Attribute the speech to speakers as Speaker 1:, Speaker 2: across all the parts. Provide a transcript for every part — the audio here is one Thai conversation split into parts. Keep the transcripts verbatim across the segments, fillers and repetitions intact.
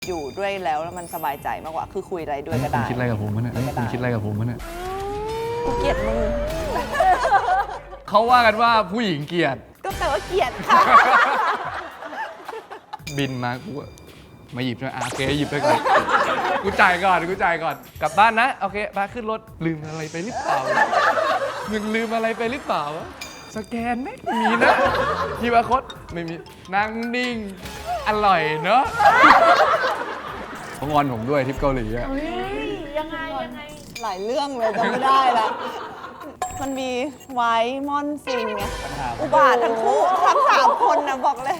Speaker 1: อยู่ด้วยแล้วแล้วมันสบายใจมากกว่าคือคุยอะไรด้วยก็ได้
Speaker 2: คิดอะไรกับผมวะเนี่ยคุณคิดอะไรกับผมวะเนี่ย
Speaker 1: กูเกลียดมึง
Speaker 2: เขาว่ากันว่าผู้หญิงเกลียด
Speaker 1: ก็แปลว่าเกลียดค่ะ
Speaker 2: บินมากูมาหยิบใช่ไหมอ่ะโอเคหยิบไปก่อน กูจ่ายก่อนกูจ่ายก่อนกลับบ้านนะโอเคมาขึ้นรถลืมอะไรไปหรือเปล่ามึงลืมอะไรไปหรือเปล่าวะสแกนไม่มีนะทีวาคตไม่มีนั่งนิ่งอร่อยเนอะเขางอนผมด้วยทริปเกาหลีอะ
Speaker 3: ยังไงยังไง
Speaker 1: หลายเรื่องเลยจำไม่ได้ละมันมีไว้มอนซิงไงอุบาททั้งคู่ทั้งสามคนนะบอกเลย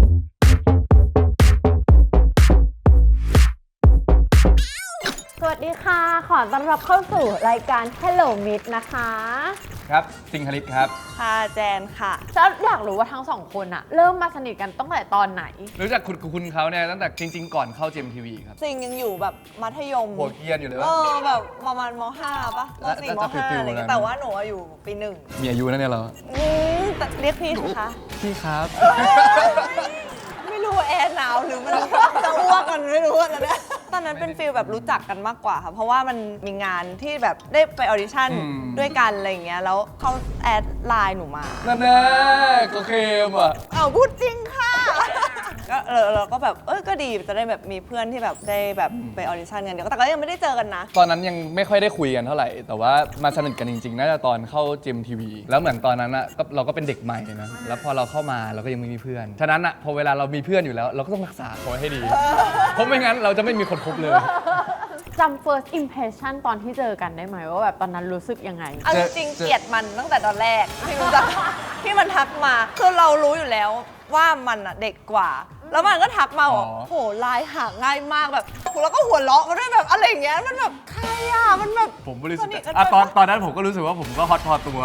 Speaker 3: สวัสดีค่ะ ขอต้อนรับเข้าสู่รายการ Hello Meet นะคะ
Speaker 2: ครับสิงคลิตครับ
Speaker 1: พาแจนค่ะ
Speaker 3: ฉันอยากรู้ว่าทั้งสองคนอะเริ่มมาสนิทกันตั้งแต่ตอนไหน
Speaker 2: รู้จักคุณคุณเขาเนี่ยตั้งแต่จริง ๆ ก่อนเข้า เจ เอ็ม ที วี ครับ
Speaker 1: ซิงยังอยู่แบบมัธยม
Speaker 2: หัวเกรียนอยู่เลย
Speaker 1: เอ
Speaker 2: วะ
Speaker 1: อแบบประมาณมห้าป่ะมสี่ม
Speaker 2: น่าจะ
Speaker 1: ห้า
Speaker 2: ฟิลๆ
Speaker 1: อะไรเงี้ย
Speaker 2: นั้น
Speaker 1: แต่ว่าหนูอะอยู่ปีหนึ่ง
Speaker 2: มีอายุนะเนี่ยเรา
Speaker 1: อืมแต่เรียกพี่สิคะ
Speaker 2: พี่ครับ
Speaker 1: ไม่รู้ว่าแอร์หนาวหรือมันจะอ้วกมันไม่รู้อะนะเนี่ยตอนนั้นเป็นฟีลแบบรู้จักกันมากกว่าค่ะเพราะว่ามันมีงานที่แบบได้ไปออดิชั่น
Speaker 2: อืม
Speaker 1: ด้วยกันอะไรอย่างเงี้ยแล้วเขาแอดไลน์หนูมา
Speaker 2: นั่นแน่ก็เคมอ่ะ
Speaker 1: อ้าวพูดจริงค่ะ ก็เออเราก็แบบเออก็ดีจะได้แบบมีเพื่อนที่แบบได้แบบไปออดิชั่นกันเดี๋ยวแต่ก็ยังไม่ได้เจอกันนะ
Speaker 2: ตอนนั้นยังไม่ค่อยได้คุยกันเท่าไหร่ แต่ว่ามาสนิทกันจริงๆ น่าจะตอนเข้า เจ เอ็ม ที วี แล้วเหมือนตอนนั้นอ่ะก็เราก็เป็นเด็กใหม่นะ แล้วพอเราเข้ามาเราก็ยังไม่มีเพื่อน ฉะนั้นอ่ะพอเวลาเรามีเพื่อนอยู่แล้ว เราก็ต้องรักษาเขาไว้ให้ดี เพราะไม่งั้นเราจะไม่มีคนคบเลย
Speaker 3: จำ first impression ตอนที่เจอกันได้ไหมว่าแบบตอนนั้นรู้สึกยังไง
Speaker 1: เอาจริงๆเกลียดมันตั้งแต่ตอนแรกที่มันจะที่มันทักมาคือเรารู้อยู่แล้วว่ามันอะเด็กกว่า แล้วมันก็ทักมาบอก
Speaker 2: อ๋อ
Speaker 1: โหไลน์หาง่ายมากแบบแล้วก็หัวเราะมาด้วยแบบอะไรอย่างเงี้ยมันแบบใครอะมันแบบ
Speaker 2: ผมบริสุท
Speaker 1: สนิท
Speaker 2: ธิ์
Speaker 1: กัน
Speaker 2: อ่ะ
Speaker 1: ด้วย
Speaker 2: ตอนตอนนั้นผมก็รู้สึกว่าผมก็ฮอตพอตัว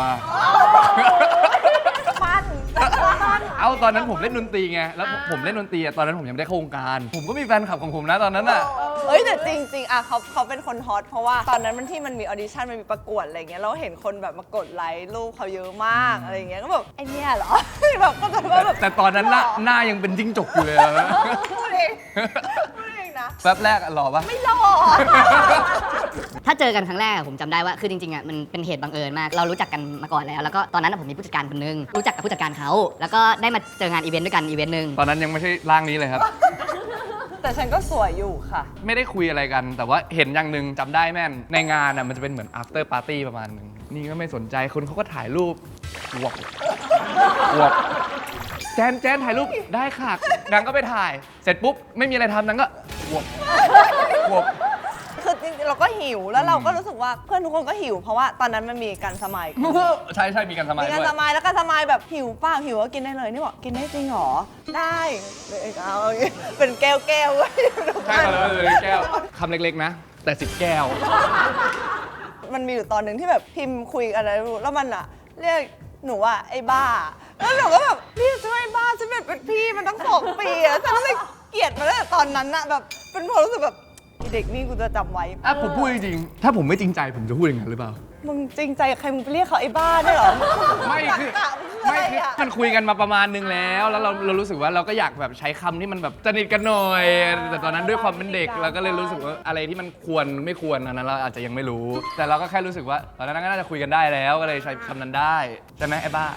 Speaker 1: มัน
Speaker 2: เอาตอนนั้นผมเล่นดนตรีไง แล้วผมเล่นดนตรีอะตอนนั้นผมยังไม่ได้เข้าวงการ ผมก็มีแฟนคลับของผมนะตอนนั้นอ่ะ
Speaker 1: เอ้ยแต่จริงๆอะเขาเขาเป็นคนฮอตเพราะว่าตอนนั้นมันที่มันมีออดิชั่นมันมีประกวดอะไรเงี้ยเราเห็นคนแบบมากดไลค์รูปเขาเยอะมากอะไรเงี้ยก็แบบไอเนี่ยเหรอ แบบก็จะว่าแบบ
Speaker 2: แต่ตอนนั้นหน้าหน้ายังเป็นจิ้งจกอยู่เลยอะ
Speaker 1: พูดเองพูดเองนะ
Speaker 2: แป๊บแรกอะหล่อปะ
Speaker 1: ไม่หล่อ
Speaker 4: ถ้าเจอกันครั้งแรกอะผมจำได้ว่าคือจริงๆอ่ะมันเป็นเหตุบังเอิญมากเรารู้จักกันมาก่อนแล้วแล้วก็ตอนนั้นอะผมมีผู้จัดการคนนึงรู้จักกับผู้จัดการเขาแล้วก็ได้มาเจองานอีเวนต์ด้วยกันอีเวนต์หนึ่ง
Speaker 2: ตอนนั้นยังไม่ใช่ร่างนี้เลยครับ
Speaker 1: แต่ฉันก็สวยอยู่ค่ะ
Speaker 2: ไม่ได้คุยอะไรกัน แต่ว่าเห็นอย่างหนึ่งจำได้แม่น ในงานอ่ะมันจะเป็นเหมือน after party ประมาณหนึ่งนี่ก็ไม่สนใจคนเขาก็ถ่ายรูปวบวบแจนแจนถ่ายรูปได้ค่ะนางก็ไปถ่าย เสร็จปุ๊บ ไม่มีอะไรทำนางก็วบวบ
Speaker 1: คือจริงๆเราก็หิวแล้วเราก็รู้สึกว่าเพื่อนทุกคนก็หิวเพราะว่าตอนนั้นมันมีการสมัย
Speaker 2: ใช่ใช่มีกันสมัย
Speaker 1: มี
Speaker 2: ด้
Speaker 1: การ
Speaker 2: วย
Speaker 1: สมัยแล้วการสมัยแบบหิวเปล่าหิวก็กินได้เลยนี่บอกกินได้จริงเหรอได้เลยเอาอย่างงี้เป็นแก้วแก้วๆเว้ย
Speaker 2: ใช่มาเลยแก้วคำเล็กๆนะ แต่สิบแก้ว
Speaker 1: มันมีอยู่ตอนหนึ่งที่แบบพิมพ์คุยอะไรไม่รู้แล้วมันอะเรียกหนูว่าไอ้บ้าแล้วหนูก็แบบพี่ช่วยบ้าฉันเป็นพี่มันต้องสองปีอะฉันก็เลยเกลียดมาตั้งแต่ตอนนั้นอะแบบเป็นความรู้สึกแบบไอ้เด็กนี่กูจะจำไว้
Speaker 2: อ่ะผมพูดจริงๆถ้าผมไม่จริงใจผมจะพูดอย่างนั้นหรือเปล่า
Speaker 1: มึงจริงใจกับใครมึงไปเรียกเขาไอ้บ้าได้เหรอ
Speaker 2: ไม่คือ
Speaker 1: ตักกะง
Speaker 2: ไม่
Speaker 1: อะ
Speaker 2: คือ
Speaker 1: อะ
Speaker 2: มันคุยกันมาประมาณนึงแล้ว แล้วเราเรารู้สึกว่าเราก็อยากแบบใช้คำที่มันแบบสนิทกันหน่อย แต่ตอนนั้นด้วยความเป็นเด็กเราก็เลยรู้สึกว่าอะไรที่มันควรไม่ควรอันนั้นเราอาจจะยังไม่รู้ แต่เราก็แค่รู้สึกว่าตอนนั้นก็น่าจะคุยกันได้แล้วก็เลยใช้คำนั้นได้ใช่ไหมไอ้บ้า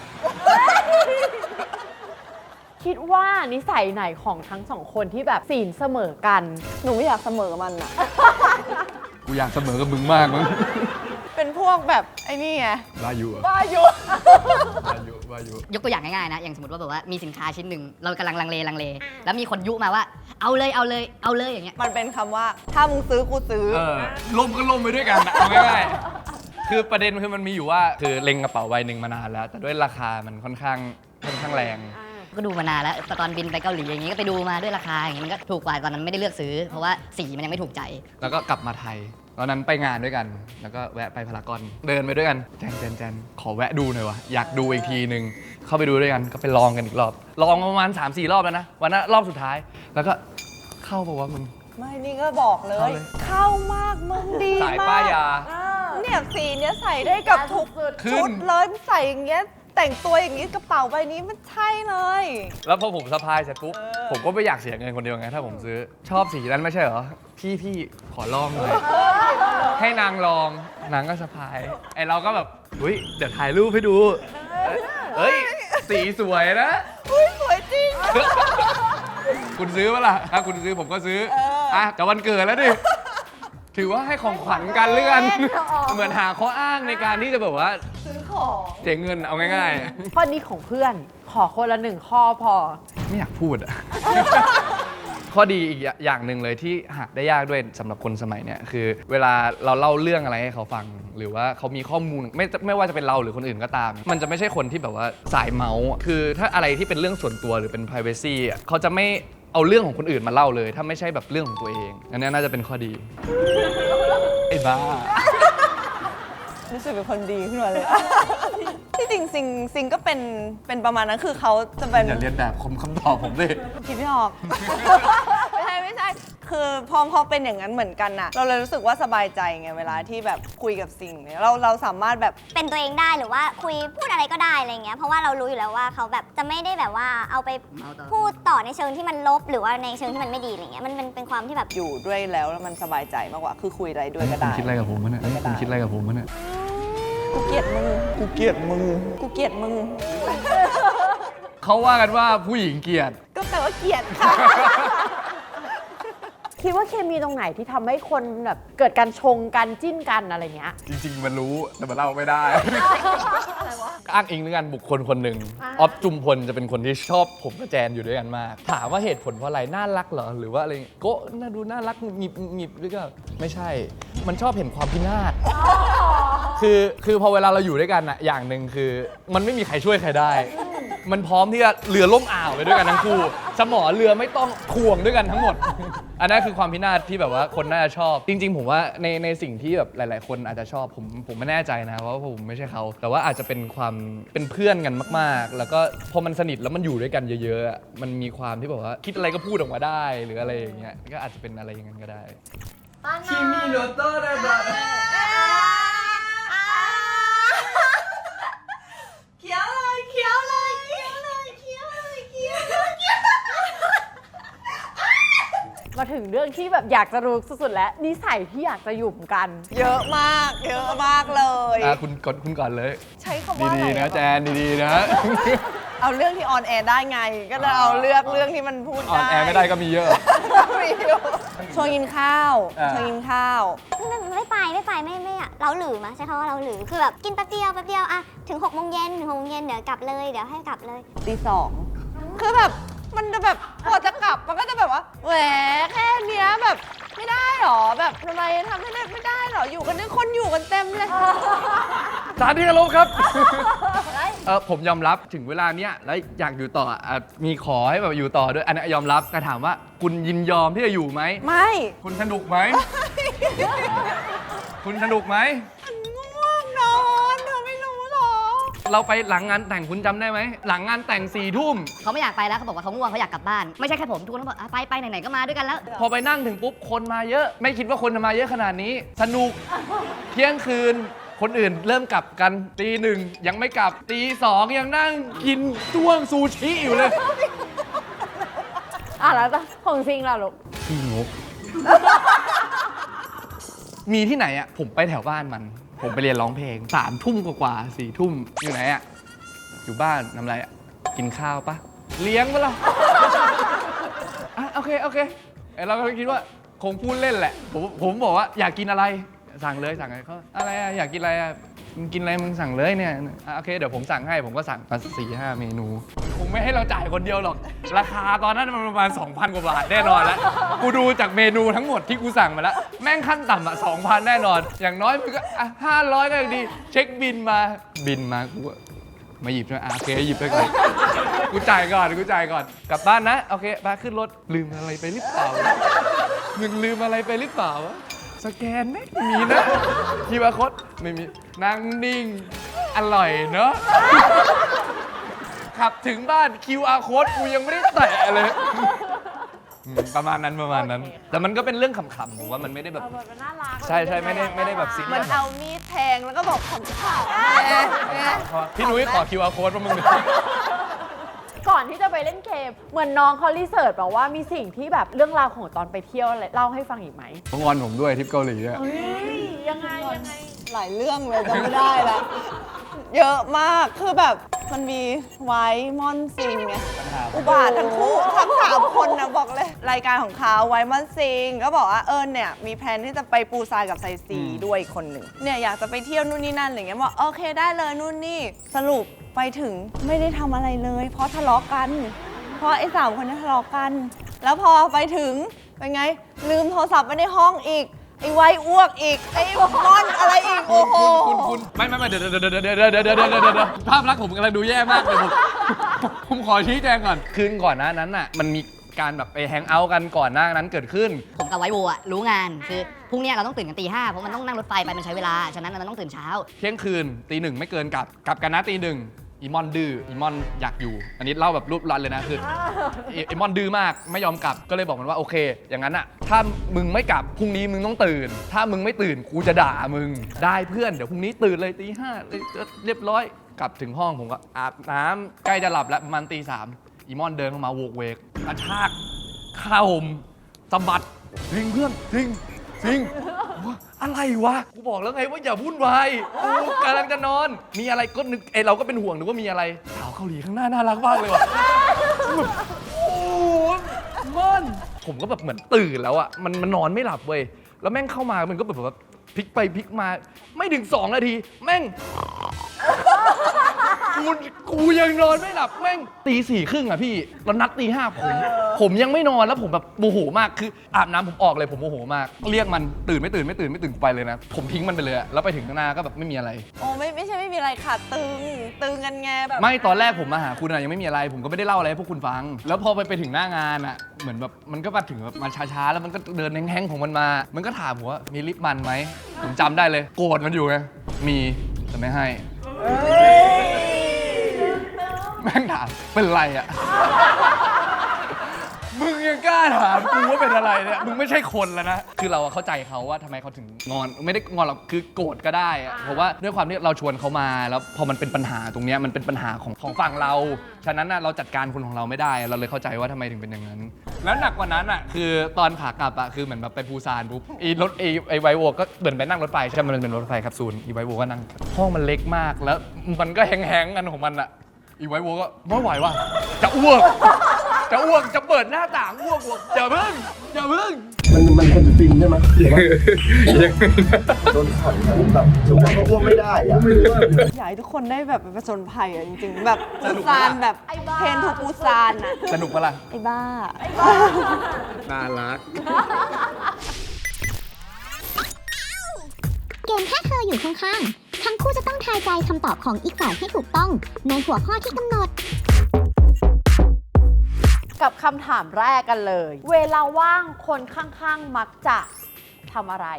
Speaker 3: คิดว่านิสัยไหนของทั้งสองคนที่แบบศีลเสมอกัน
Speaker 1: หนูไม่อยากเสมอมันอะ
Speaker 2: กูอยากเสมอกับมึงมากมั้ง
Speaker 1: เป็นพวกแบบไอ้นี่ไง
Speaker 2: บ้าอยู่อะ
Speaker 1: บ้าอยู่
Speaker 2: บ้าอยู่บ้าอยู่
Speaker 4: ยกตัวอย่างง่ายๆนะอย่างสมมติว่าแบบว่ามีสินค้าชิ้นหนึ่งเรากำลังลังเลลังเล แล้วมีคนยุมาว่าเอาเลยเอาเลยเอาเลยอย่างเงี้ย
Speaker 1: มันเป็นคำว่าถ้ามึงซื้อกูซื้อ
Speaker 2: เออล่มก็ล่มไปด้วยกันนะเอาง่ายๆคือประเด็นคือมันมีอยู่ว่าคือเล็งกระเป๋าใบหนึ่งมานานแล้ว แต่ด้วยราคามันค่อนข้างค่อนข้างแรง
Speaker 4: ก็ดูมานานแล้วตอนบินไปเกาหลีอย่างงี้ก็ไปดูมาด้วยราคาอย่างงี้มันก็ถูกกว่าตอนนั้นไม่ได้เลือกซื้อ เพราะว่าสีมันยังไม่ถูกใจ
Speaker 2: แล้วก็กลับมาไทย ตอนนั้นไปงานด้วยกัน แล้วก็แวะไปพารากอน เดินไปด้วยกัน แจนแจนแจนขอแวะดูหน่อยวะ อยากดูอีกทีหนึ่ง เข้าไปดูด้วยกัน ก็ไปลองกันอีกรอบ ลองประมาณ สามสี่ รอบแล้วนะ วันนั้นรอบสุดท้าย แล้วก็เข้าปะวะมึง
Speaker 1: ไม่นี่ก็บอกเลย
Speaker 2: เข้าเลย
Speaker 1: เข้ามากมึงดี
Speaker 2: สาย
Speaker 1: มาก
Speaker 2: ป้ายยา
Speaker 1: เนี่ยสีเนี้ยใส่ได้กับทุก
Speaker 2: ขึ้น
Speaker 1: ชุดเลยมึงใส่อย่างเงี้ยแต่งตัวอย่างงี้กระเป๋าใบนี้มันใช่เลย
Speaker 2: แล้วพอผมสะพายเสร็จปุ๊บ
Speaker 1: เออ
Speaker 2: ผมก็ไม่อยากเสียเงินคนเดียวไงถ้าผมซื้อชอบสีนั้นไม่ใช่เหรอพี่พี่ขอลองเลยให้นางลองนางก็สะพายไอเราก็แบบเฮ้ยเดี๋ยวถ่ายรูปให้ดูเฮ้ยสีสวยนะ
Speaker 1: อุ้ยสวยจริง
Speaker 2: คุณซื้อปะล่ะถ้าคุณซื้อผมก็ซื้ออ่ะจะวันเกิดแล้วดิถือว่าให้ของขวัญกันเลื่อนเหมือนหาข้ออ้างในการที่จะแบบว่า
Speaker 1: ซื้อของ
Speaker 2: เจ๊งเงินเอาง่าย
Speaker 3: ข้อนี้ของเพื่อนขอคนละหนึ่งข้อพอ
Speaker 2: ๆ ไม่อยากพูดอะ ข้อดีอีกอย่างหนึ่งเลยที่หาได้ยากด้วยสำหรับคนสมัยเนี้ยคือเวลาเราเล่าเรื่องอะไรให้เขาฟัง หรือว่าเขามีข้อมูลไม่ไม่ว่าจะเป็นเราหรือคนอื่นก็ตาม มันจะไม่ใช่คนที่แบบว่าสายเมาส์คือถ้าอะไรที่เป็นเรื่องส่วนตัวหรือเป็น privacy อ่ะเขาจะไม่เอาเรื่องของคนอื่นมาเล่าเลย ถ้าไม่ใช่แบบเรื่องของตัวเองอันนี้น่าจะเป็นข้อดีไอ้บ้า
Speaker 1: รู้สึกเป็นคนดีขึ้นมาเลย ที่จริงซิงซิงก็เป็นเป็นประมาณนั้นคือเขาจะเป็น
Speaker 2: อย่าเรียนแบบคมคำตอบผมเลย
Speaker 1: คิดไม่ออก ไม่ใช่ไม่ใช่คือพอพอเป็นอย่างนั้นเหมือนกันน่ะเราเลยรู้สึกว่าสบายใจไงเวลาที่แบบคุยกับซิงเนี่ยเราเราสามารถแบบ
Speaker 5: เป็นตัวเองได้หรือว่าคุยพูดอะไรก็ได้อะไรเงี้ยเพราะว่าเรารู้อยู่แล้วว่าเขาแบบจะไม่ได้แบบว่าเอาไปพูดต่อในเชิงที่มันลบหรือว่าในเชิงที่มันไม่ดีอะไรเงี้ยมันเป็นเป็นความที่แบบ
Speaker 1: อยู่ด้วยแล้วแล้วมันสบายใจมากกว่าคือคุยอะไรด้วยก็ได้
Speaker 2: คิดอะไรกับผมวะเนี่ยคุณคิดอะไรกับผมวะเนี่ย
Speaker 1: กูเกลียดมึงกูเกลียดมึงกูเกลียดมึง
Speaker 2: เขาว่ากันว่าผู้หญิงเกลียด
Speaker 1: ก็แปลว่าเกลียดค่ะ
Speaker 3: คิดว่าเคมีตรงไหนที่ทำให้คนแบบเกิดการชงกันจิ้นกันอะไรเงี้ย
Speaker 2: จริงๆ มันรู้แต่มันเล่าไม่ได้ อ้างอิงด้วยกันบุคคลคนหนึ่ง
Speaker 3: อ่า
Speaker 2: ออฟจุมพลจะเป็นคนที่ชอบผมกับแจนอยู่ด้วยกันมาก ถามว่าเหตุผลเพราะอะไรน่ารักเหรอหรือว่าอะไรโก็น่าดูน่ารักหงิบหงิบหรือก็ไม่ใช่ มันชอบเห็นความพินาศคือคือพอเวลาเราอยู่ด้วยกันอะอย่างหนึ่งคือ มันไม่มีใครช่วยใครได้ มันพร้อมที่จะเรือล่มอ่าวไปด้วยกันทั้งคู่สมอเรือไม่ต้องถ่วงด้วยกันทั้งหมด อันนั้นคือความพินาศที่แบบว่าคนน่าจะชอบ จริง ๆ ผมว่าในในสิ่งที่แบบหลาย ๆ คนอาจจะชอบผมผมไม่แน่ใจนะเพราะว่าผมไม่ใช่เขาแต่ว่าอาจจะเป็นความเป็นเพื่อนกันมาก ๆ แล้วก็พอมันสนิทแล้วมันอยู่ด้วยกันเยอะๆอะมันมีความที่แบบว่าคิดอะไรก็พูดออกมาได้หรืออะไรอย่างเงี้ยก็อาจจะเป็นอะไรอย่างนั้นก็ได้คิมิโนโตะได้บ้าง
Speaker 1: เขียวเลยเขียวเลยเขียวเลยเขียวเลยเขียวเลยเขียว
Speaker 3: มาถึงเรื่องที่แบบอยากจะรู้สุดๆแล้วนิสัยที่อยากจะหยุ่มกัน
Speaker 1: เยอะมากเยอะมากเลย
Speaker 2: อ่ะคุณก่อนคุณก่อนเลย
Speaker 1: ใช้คำว่าอะไร
Speaker 2: ดีๆนะแจนดีๆนะ
Speaker 1: เอาเรื่องที่ออนแอร์ได้ไง ก็จะเอาเลือกเรื่องที่มันพูด
Speaker 2: ออน
Speaker 1: ได้
Speaker 2: แอร์ไม่ได้ก็มีเยอะ
Speaker 1: มีอยู่ชวนกินข้าว
Speaker 2: อ่า
Speaker 1: ชวนกินข้าว
Speaker 5: ไม่ไม่ไปไม่ไปไม่ไม่อะเราหลือมาใช้คำว่าเราหลือคือแบบกินแป๊บเดียวแป๊บเดียวอะถึงหกโมงเย็นถึงหกโมงเย็นเดี๋ยวกลับเลยเดี๋ยวให้กลับเลย
Speaker 1: ตีสองคือแบบมันจะแบบพอจะกลับมันก็จะแบบว่าแหวแค่เนี้ยแบบไม่ได้หรอแบบทำไมทำไม่ได้ไม่ได้หรออยู่กันนี่คนอยู่กันเต็มเลย
Speaker 2: สารที่เคารพครับ เออผมยอมรับถึงเวลาเนี้ยแล้วอยากอยู่ต่ออ่ะมีขอให้แบบอยู่ต่อด้วยอันนี้ยอมรับแต่ถามว่าคุณยินยอมที่จะอยู่ไหม
Speaker 1: ไม่
Speaker 2: คุณสนุกไหม คุณสนุกไหม
Speaker 1: มันง่วงนอนเธอไม่รู้หรอ
Speaker 2: เราไปหลังงานแต่งคุณจำได้ไหมหลังงานแต่งสี่ทุ่ม
Speaker 4: เขาไม่อยากไปแล้วเขาบอกว่าเขาง่วงเขาอยากกลับบ้านไม่ใช่แค่ผมทุกคนต้องบอกอ่ะไปไปไหนๆก็มาด้วยกันแล้ว
Speaker 2: พอไปนั่งถึงปุ๊บคนมาเยอะ ไม่คิดว่าคนจะมาเยอะขนาดนี้ สนุกเที่ยงคืน คนอื่นเริ่มกลับกันตีหนึ่งยังไม่กลับตีสองยังนั่งกินต้วงซูชิอยู่เลย
Speaker 3: อ่ะแล้วของซิงล่ะลูก
Speaker 2: ขี้งก มีที่ไหนอ่ะ ผมไปแถวบ้านมัน ผมไปเรียนร้องเพลงสามทุ่มกว่าๆสี่ทุ่มอยู่ไหนอ่ะ อยู่บ้านทำอะไรอ่ะ กินข้าวปะเลี้ยงปะล่ะ อ่ะโอเค โอเคเอ้ยเราก็คิดว่าคงพูดเล่นแหละ ผมผมบอกว่าอยากกินอะไร สั่งเลยสั่งอะไรเขาอะไรอ่ะ อยากกินอะไรอ่ะมึงกินอะไรมึงสั่งเลยเนี่ยอ่ะโอเคเดี๋ยวผมสั่งให้ผมก็สั่งมาสี่ห้าเมนู คงไม่ให้เราจ่ายคนเดียวหรอก ราคาตอนนั้นมันประมาณ สองพัน กว่าบาทแน่นอนแล้ว กูดูจากเมนูทั้งหมดที่กูสั่งมาแล้ว แม่งขั้นต่ำอ่ะ สองพัน แน่นอน อย่างน้อยมันก็อ่ะห้าร้อยก็ยังดี เช็คบินมาบินมากูก็มาหยิบใช่ไหมอ่ะโอเคหยิบไปก่อน กูจ่ายก่อนกูจ่ายก่อนกลับบ้านนะโอเคไปขึ้นรถลืมอะไรไปหรือเปล่ามึงลืมอะไรไปหรือเปล่าวะสแกนไหมมีนะคิวอาร์ code ไม่มีนั่งนิ่งอร่อยเนาะขับถึงบ้าน คิวอาร์ code กูยังไม่ได้แตะเลยอืมประมาณนั้นประมาณนั้น แต่มันก็เป็นเรื่องขำๆผมว่ามันไม่ได้แบบ
Speaker 3: เอาแบบมันน่ารัก
Speaker 2: ใช่ใช่ไม่ได้ไม่ได้แบบซีเรี
Speaker 1: มั
Speaker 2: ย
Speaker 1: น
Speaker 2: ส
Speaker 1: เอามีดแทงแล้วก็บอกขำๆแหม
Speaker 2: พี่นุ้ยขอ คิวอาร์ code ว่ามึง
Speaker 3: ก่อนที่จะไปเล่นเกม เหมือนน้องเขารีเสิร์ชบอกว่ามีสิ่งที่แบบเรื่องราวของตอนไปเที่ยวอะไรเล่าให้ฟังอีกไหม
Speaker 2: เขางอนผมด้วยทริปเกาหลีอะ
Speaker 3: เฮ้ยยังไงยังไง
Speaker 1: หลายเรื่องเลยจำไม่ได้ละเยอะมากคือแบบมันมีไว้มอนซิงไงอุบาททั้งคู่ทั้งสามคนนะบอกเลย รายการของเขาไว้มอนซิงก็บอกว่าเอิญเนี่ยมีแพลนที่จะไปปูซานกับไซซีด้วยอีกคนหนึ่งเนี่ยอยากจะไปเที่ยวนู่นนี่นั่นอะไรเงี้ยบอกโอเคได้เลยนู่นนี่สรุปไปถึงไม่ได้ทำอะไรเลย เพราะทะเลาะกัน เพราะไอ้สามคนนี้ทะเลาะกัน แล้วพอไปถึงเป็นไงลืมโทรศัพท์ไว้ในห้องอีกไอ้ไว้อ้วกอีกไอ้มอนอะไรอีกโอ้โห
Speaker 2: คุณคุณไม่ไม่ไม่เดี๋ยวเดี๋ยวเดี๋ยวเดี๋ยวเดี๋ยวเดี๋ยวเดี๋ยวเดี๋ยวเดี๋ยวภาพลักษณ์ผมกำลังดูแย่มากเลยผมผมขอชี้แจงก่อนคืนก่อนหน้านั้นน่ะมันมีการแบบไปแฮงเอาท์กันก่อนหน้านั้นเกิดขึ้น
Speaker 4: ผมกับไวโวอะรู้งานคือพรุ่งเนี้ยเราต้องตื่นกันตีห้าเพราะมันต้องนั่งรถไฟไปมันใช้เวลาฉะนั้นเราต้องตื่นเช้า
Speaker 2: เที่ยงคืนตีหนึ่งไม่เกินกลับกลับกันนะตีหนึ่งอีมอนดื้ออีมอนอยากอยู่ อันนี้เล่าแบบรูปรันเลยนะคืออีอีมอนดื้อมากไม่ยอมกลับก็เลยบอกมันว่าโอเค อย่างนั้นอะถ้ามึงไม่กลับพรุ่งนี้มึงต้องตื่น ถ้ามึงไม่ตื่นกูจะด่ามึงได้เพื่อนเดี๋ยวพรุ่งนี้ตื่นเลยตีห้าเรียบร้อยกลับถึงห้องผมก็อาบน้ำใกล้จะหลับแล้วประมาณตีสามอีมอนเดินเข้ามาโวกเวกกระชากข้าวผมสะบัดทิ้งเพื่อนทิ้งทิ้งอะไรวะกูบอกแล้วไงว่าอย่าวุ่นวายกูกำลังจะนอนมีอะไรก็นึกไอเราก็เป็นห่วงนึกว่ามีอะไรสาวเกาหลีข้างหน้าน่ารักมากเลยว่ะแบบโอ้มันผมก็แบบเหมือนตื่นแล้วอ่ะมันมันนอนไม่หลับเว้ยแล้วแม่งเข้ามามันก็แบบว่าพลิกไปพลิกมาไม่ถึงสองนาทีแม่งกูกูยังนอนไม่หลับแม่งตีสี่ครึ่งอ่ะพี่แล้วนัดตีห้าผมผมยังไม่นอนแล้วผมแบบโมโหมากคืออาบน้ำผมออกเลยผมโมโหมากเรียกมันตื่นไม่ตื่นไม่ตื่นไม่ตื่นไปเลยนะผมทิ้งมันไปเลยอะแล้วไปถึงข้างหน้าก็แบบไม่มีอะไร
Speaker 1: โอ้ไม่ไม่ใช่ไม่มีอะไรค่ะตึงตึงกันไงแบบ
Speaker 2: ไม่ตอนแรกผมมาหาคุณอะยังไม่มีอะไร ผมก็ไม่ได้เล่าอะไรให้พวกคุณฟัง แล้วพอไปไปถึงหน้างานอะเหมือนแบบมันก็มาถึงแบบมาช้าๆแล้วมันก็เดินแห้งๆของมันมา มันก็ถามผมว่ามีลิปมันไหมผมจำได้เลยโกรธมันอยู่ไงมีแต่ไม่ให้แม่งถามเป็นไรอะ มึงยังกล้าถามกูว่าเป็นอะไรเนี่ยมึงไม่ใช่คนแล้วนะคือเราเข้าใจเขาว่าทำไมเขาถึงงอนไม่ได้งอนหรอกคือโกรธก็ได้อะเพราะว่าด้วยความที่เราชวนเขามาแล้วพอมันเป็นปัญหาตรงเนี้ยมันเป็นปัญหาของของฝั่งเราฉะนั้นน่ะเราจัดการคนของเราไม่ได้เราเลยเข้าใจว่าทำไมถึงเป็นอย่างนั้น แล้วหนักกว่านั้นอ่ะคือตอนขากลับอ่ะคือเหมือนแบบไปปูซานปุ๊บอีรถไอไอไวโวก็เหมือนไปนั่งรถไฟใช่ไหมมันเป็นรถไฟแคปซูลอีไวโวก็นั่งห้องมันเล็กมากแล้วมันก็แห้งๆกันของมันอ่ะอีไวโวก็ไม่ไหวว่ะจะอ้วกจะอ้วกจะเปิดหน้าต่างอ้วกบอกอย่าเพิ่งอย่าเพิ่ง
Speaker 6: มันมันคนฟินใช่ไหมหรือว่าโดนขังแบบทุกคนก็อ้วกไม่ได้อะไม่รู้ว่า
Speaker 1: อยากให้ทุกคนได้แบบไปผจญภัยอะจริงๆ แบบปูซานแบบเพนทูปูซานอะ
Speaker 2: สนุกปะล่ะ
Speaker 1: ไอ้บ้า
Speaker 2: น่ารัก
Speaker 7: เกมแค่เธออยู่ข้างๆ ทั้งคู่จะต้องทายใจคำตอบของอีกฝ่ายให้ถูกต้องในหัวข้อที่กำหนด
Speaker 3: กับคำถามแรกกันเลย เวลาว่างคนข้างๆ มักจะทำอะไร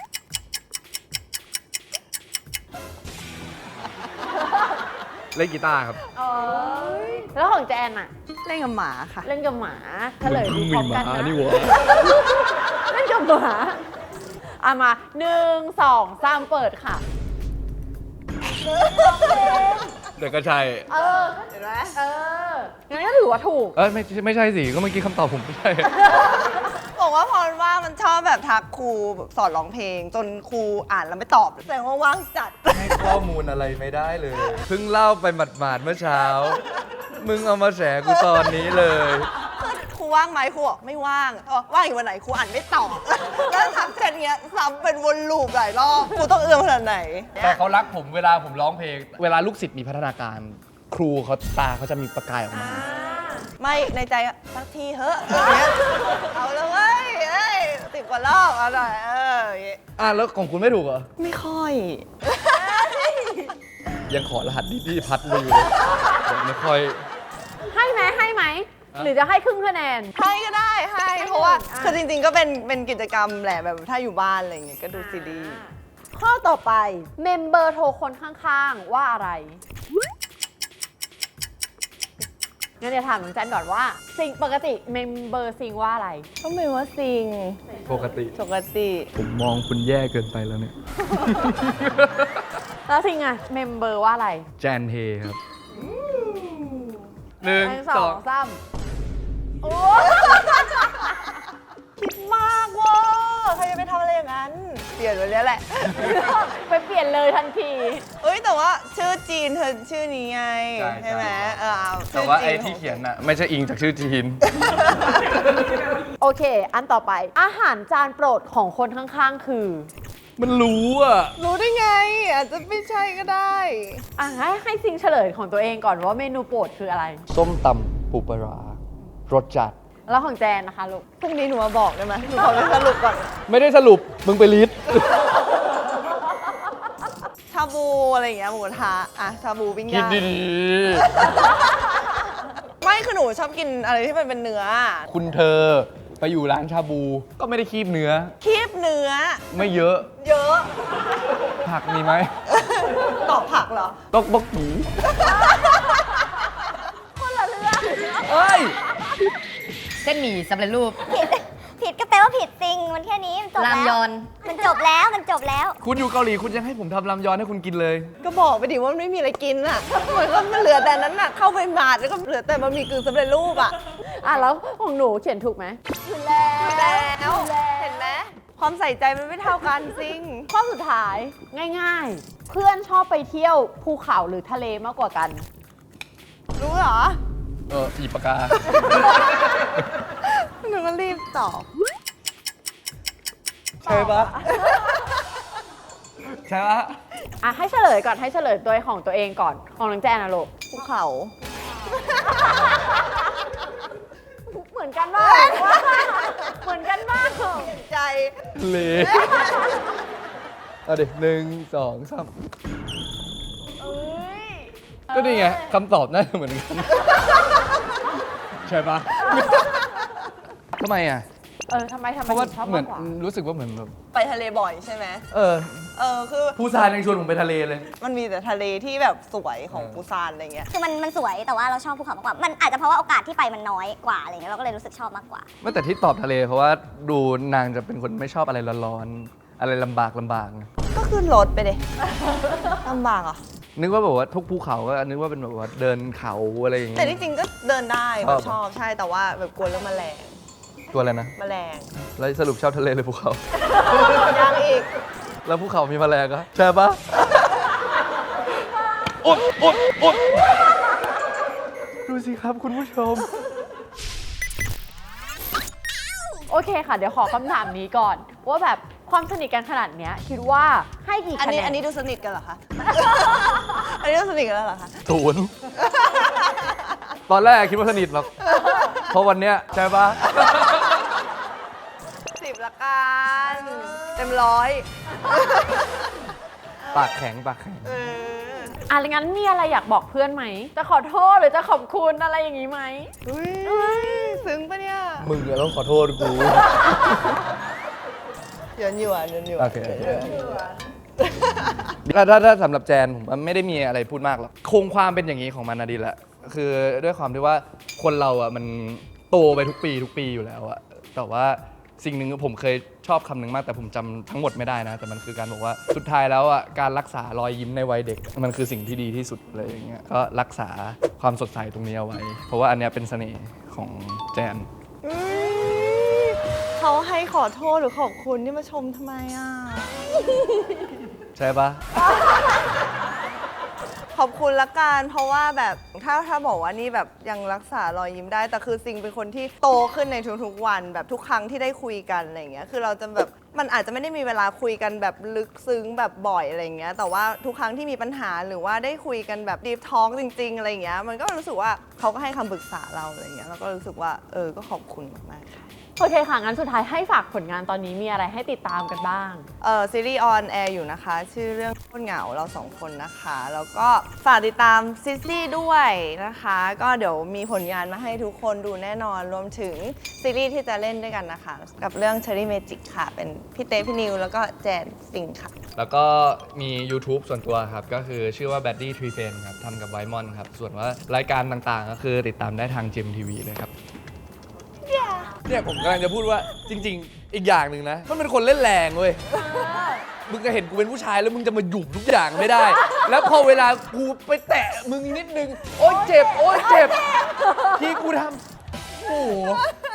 Speaker 2: เล่นกีตาร์ครับ
Speaker 3: เอ้ยแล้วของแจนอะ
Speaker 1: เล่นกับหมาค่ะ
Speaker 3: เล่นกับหมาเฉลยดูพร้อมกันนะ
Speaker 2: นี่วะ
Speaker 3: เล่นกับหมาอ่ะมาหนึ่งสองสามเปิดค่ะ
Speaker 2: เดี๋ยวก็ใช่
Speaker 3: เออเห็นไหมเอองั้นก็ถือว่าถูก
Speaker 2: เออไม่ไม่ใช่สิก็เมื่อกี้คำตอบผมไม่ใช่
Speaker 1: บอกว่าพอว่างมันชอบแบบทักครูแบบสอนร้องเพลง จนครูอ่านแล้วไม่ตอบแสดงว่าว่างจัด
Speaker 2: ให้ข้อมูลอะไรไม่ได้เลย เพิ่งเล่าไปหมาดๆเมื่อเช้า มึงเอามาแฉกูตอนนี้เลย
Speaker 1: คือครูว่างไหมครูบอกไม่ว่างเออว่างอีกวันไหนครูอ่านไม่ตอบ แล้วทักเช่นเงี้ยซ้ำเป็นวนลูปหลายรอบครูต้องเอื้อมขนาดไหน
Speaker 2: แต่เขารักผมเวลาผมร้องเพลง เวลาลูกศิษย์มีพัฒนาการ ครูเขาตาเขาจะมีประกายออกมา
Speaker 1: ไม่ในใจอะสักทีเถอะอย่างเงี้ยเอาเลยเว้ยเอ้ยสิบกว่ารอบเอาหน่อยเอออย่างเงี้ย
Speaker 2: อ่ะแล้วของคุณไม่ถูกเหรอ
Speaker 1: ไม่ค่อย
Speaker 2: ยังขอรหัสดิพี่พัดมาอยู่เลยยังไม่ค่อย
Speaker 3: ให้ไหมให้ไหม
Speaker 2: อ่ะ
Speaker 3: หรือจะให้ครึ่งคะแนน
Speaker 1: ให้ก็ได้ให้
Speaker 3: ให้
Speaker 1: เพราะว่า
Speaker 3: อ่ะ
Speaker 1: คือจริงๆก็เป็นเป็นกิจกรรมแหละแบบถ้าอยู่บ้านอะไรอย่างเงี้ยก็ดูซีรีส์
Speaker 3: ข้อต่อไปเมมเบอร์โทรคนข้างๆ ว่าอะไรงั้นเดี๋ยวถามน้องแจนก่อนว่าสิ่งปกติเมมเบอร์ซิงว่าอะไร
Speaker 1: ก็ไม่ว่าซิง
Speaker 2: ปกติ
Speaker 1: ปกติ
Speaker 2: ผมมองคุณแย่เกินไปแล้วเนี่ย
Speaker 3: แล้วซิงอะเมมเบอร์ว่าอะไร
Speaker 2: แจนเฮครับหนึ่ง
Speaker 3: หนึ่ง
Speaker 2: ส
Speaker 3: ส
Speaker 2: อ
Speaker 3: อง งสามโอ้
Speaker 1: คิดมากเว่าใครจะไปทำอะไรอย่างนั้น เปลี่ยนวันนี้แหละ
Speaker 3: ไปเปลี่ยนเลยทันที
Speaker 1: เอ้ยแต่ว่าชื่อจีนเธอชื่อนี้ไง ใช่ไหมเออเอา
Speaker 2: แต่ว่า
Speaker 1: ชื่
Speaker 2: ไอ้
Speaker 1: จี
Speaker 2: ที่เขียนน่ะไม่ใช่อิงจากชื่อจีน
Speaker 3: โอเค อันต่อไป อาหารจานโปรดของคนข้างๆ คือ
Speaker 2: มันรู้อ่ะ
Speaker 1: รู้ได้ไง อาจจะไม่ใช่ก็ได้
Speaker 3: อ่ะให้ให้ซิงเฉลยของตัวเองก่อนว่าเมนูโปรดคืออะไร
Speaker 2: ส้มตำปูปลาร้ารสจัด
Speaker 3: แล้วของแจนนะคะลูก
Speaker 1: พรุ่งนี้หนูมาบอกได้ไหมหนูขอไปสรุปก่อน
Speaker 2: ไม่ได้สรุป มึงไปลิสต์
Speaker 1: ชาบูอะไรอย่างเงี้ยหมูกระทะอะชาบูปิ้ง
Speaker 2: คิด
Speaker 1: ย่าง
Speaker 2: ดี
Speaker 1: ไม่คือหนูชอบกินอะไรที่มันเป็นเนื้อ
Speaker 2: ๆ คุณเธอไปอยู่ร้านชาบู ก็ไม่ได้คีบเนื้อ
Speaker 1: คีบเนื้อ
Speaker 2: ไม่เยอะ
Speaker 1: เยอะ
Speaker 2: ผักมีไหม
Speaker 1: ตอบผักเหรอ
Speaker 2: ตอกบกกี
Speaker 3: คนละเรื่อง
Speaker 2: เอ้ย
Speaker 4: เส้นหมี่สำเร็จรูป
Speaker 5: ผิด ผิดก็แปลว่าผิดจริง มันแค่นี้มันจบ
Speaker 4: ราม
Speaker 5: แล้ว
Speaker 4: ยอน
Speaker 5: มันจบแล้ว มันจบแล้ว
Speaker 2: คุณอยู่เกาหลีคุณยังให้ผมทำรามยอนให้คุณกินเลย
Speaker 1: ก็บอกไปดิว่ามันไม่มีอะไรกินอ่ะมันก็มันเหลือแต่นั้นอ่ะ เข้าไปหมาดแล้วก็เหลือแต่บะหมี่กึ่งสำเร็จรูปอ่ะ
Speaker 3: อ่ะแล้วของหนูเขียนถูกไหม
Speaker 1: แล้วเห็นไหมความใส่ใจมันไม่เท่ากันจริง
Speaker 3: ข้อสุดท้ายง่ายๆ เพื่อนชอบไปเที่ยวภูเขาหรือทะเลมากกว่ากัน
Speaker 1: รู้เหรอ
Speaker 2: เอออีปากกา
Speaker 1: หนูก็รีบตอบ
Speaker 2: ใช่ปะใช่ปะ
Speaker 3: อ่ะให้เฉลยก่อนให้เฉลยตัวของตัวเองก่อน ของน้องแจนนะลูก
Speaker 1: ภูเขา
Speaker 3: เหมือนกันมาก เหมือนกันมาก
Speaker 1: ใจ
Speaker 2: เลเอาดิหนึ่งสองสามก็นี่ไงคำตอบน่าจะเหมือนกัน ใช่ปะทำไมอ่ะ
Speaker 3: เออทำไมทำไม
Speaker 2: เพราะว่า
Speaker 3: ถึงชอบ
Speaker 2: เหมือ
Speaker 3: มาน กกว่า
Speaker 2: รู้สึกว่าเหมือนแบบ
Speaker 1: ไปทะเลบ่อยใช่ไหม
Speaker 2: เออ
Speaker 1: เออคือ
Speaker 2: ภูซานยังชวนผมไปทะเลเลย
Speaker 1: มันมีแต่ทะเลที่แบบสวยของปูซานอะไรเงี้ย
Speaker 5: คือมันมันสวยแต่ว่าเราชอบภูเขามากกว่า มันอาจจะเพราะว่าโอกาสที่ไปมันน้อยกว่าอะไรเงี้ยเราก็เลยรู้สึกชอบมากกว่า
Speaker 2: ไม่แต่ที่ตอบทะเลเพราะว่าดูนางจะเป็นคนไม่ชอบอะไรร้อนๆ อะไรลำบากลำบากนะ
Speaker 1: ก็ขึ้นรถไปเลยลำบากอ่ะ
Speaker 2: นึกว่าแบบว่าทุกภูเขาก็นึกว่าเป็นแบบว่าเดินเขาอะไรอย่างเงี้
Speaker 1: แต่
Speaker 2: ย
Speaker 1: ที่จริงก็เดินได้
Speaker 2: ช
Speaker 1: แบ
Speaker 2: อ
Speaker 1: บบ ชอบใช่แต่ว่าแบบกลัวเรื่องแมลง
Speaker 2: ตัวอะไรนะ
Speaker 1: แมลง
Speaker 2: แล้วสรุปชอบทะเลหรือภูเขา
Speaker 1: ยังอีก
Speaker 2: แล้วภูเขามีแมลงก็ใช่ปะอดอดอดดูสิครับคุณผู้ชม
Speaker 3: โอเคค่ะ เดี๋ยวขอคำถามนี้ก่อน ว่าแบบความสนิทกันขนาดเนี้ยคิดว่าให้กี่
Speaker 1: อัน
Speaker 3: คะแน
Speaker 1: นี้
Speaker 3: น
Speaker 1: อันนี้ดูสนิทกันเหรอคะ อันนี้ดูสนิทกันแล้วเหรอคะ
Speaker 2: ศูนย์ ตอนแรกคิดว่าสนิทหรอกเพราะวันเนี้ยใช่ปะ
Speaker 1: สิบละกันเต็มร้อย
Speaker 2: ปากแข็งปากแข็ง
Speaker 1: เออ
Speaker 3: อ่ะงั้นมีอะไรอยากบอกเพื่อนไหม จะขอโทษหรือจะขอบคุณอะไรอย่างนี้ไหม
Speaker 1: อุ้ยซึ้งปะเนี่ย
Speaker 2: มึงอะต้องขอโทษกู
Speaker 1: หยวนหยวนหยวนหยวน
Speaker 2: โอเคโอเค ถ้าถ้าถ้าสำหรับแจนผมว่าไม่ได้มีอะไรพูดมากหรอกคงความเป็นอย่างนี้ของมันนะดีแหละคือด้วยความที่ว่าคนเราอ่ะมันโตไปทุกปีทุกปีอยู่แล้วอะแต่ว่าสิ่งหนึ่งผมเคยชอบคำหนึ่งมากแต่ผมจำทั้งหมดไม่ได้นะ แต่มันคือการบอกว่าสุดท้ายแล้วอ่ะการรักษารอยยิ้มในวัยเด็ก มันคือสิ่งที่ดีที่สุดเลยอย่างเงี้ยก็รักษาความสดใสตรงนี้เอาไว้ เพราะว่าอันเนี้ยเป็นเสน่ห์ของแจน
Speaker 1: อุ๊ยเขาให้ขอโทษหรือขอบคุณที่มาชมทำไมอ่ะ
Speaker 2: ใช่ปะ
Speaker 1: ขอบคุณละกันเพราะว่าแบบถ้าถ้าบอกว่านี่แบบยังรักษารอยยิ้มได้แต่คือซิงเป็นคนที่โตขึ้นในทุกๆวันแบบทุกครั้งที่ได้คุยกันอะไรอย่างเงี้ยคือเราจะแบบมันอาจจะไม่ได้มีเวลาคุยกันแบบลึกซึ้งแบบบ่อยอะไรอย่างเงี้ยแต่ว่าทุกครั้งที่มีปัญหาหรือว่าได้คุยกันแบบดีฟทอล์กจริงๆอะไรอย่างเงี้ยมันก็รู้สึกว่าเขาก็ให้คำปรึกษาเราอะไรอย่างเงี้ยแล้วก็รู้สึกว่าเออก็ขอบคุณมากๆค่ะ
Speaker 3: โอเคค่ะ งั้นสุดท้ายให้ฝากผลงานตอนนี้มีอะไรให้ติดตามกันบ้าง
Speaker 1: เออซีรีส์ออนแอร์อยู่นะคะ ชื่อเรื่องโคตรเหงาเราสองคนนะคะ แล้วก็ฝากติดตามซิสซี่ด้วยนะคะ ก็เดี๋ยวมีผลงานมาให้ทุกคนดูแน่นอนรวมถึงซีรีส์ที่จะเล่นด้วยกันนะคะ กับเรื่อง Cherry Magic ค่ะ เป็นพี่เต้พี่นิว แล้วก็แจนสิงห์ค่ะ
Speaker 2: แล้วก็มี YouTube ส่วนตัวครับ ก็คือชื่อว่า Baddy Tree Fan ครับทำกับไวมอนครับ ส่วนว่ารายการต่างๆ ก็คือติดตามได้ทาง เจ เอ็ม ที วี เลยครับ เนี่ยผมกำลังจะพูดว่าจริง ๆ อีกอย่างหนึ่งนะ มันเป็นคนเล่นแรงเว้ยมึงจะเห็นกูเป็นผู้ชายแล้วมึงจะมาหยุมทุกอย่างไม่ได้ แล้วพอเวลากูไปแตะมึงนิดนึง โอ๊ยเจ็บ โอ๊ยเจ็บ ที่กูทำโอ้โห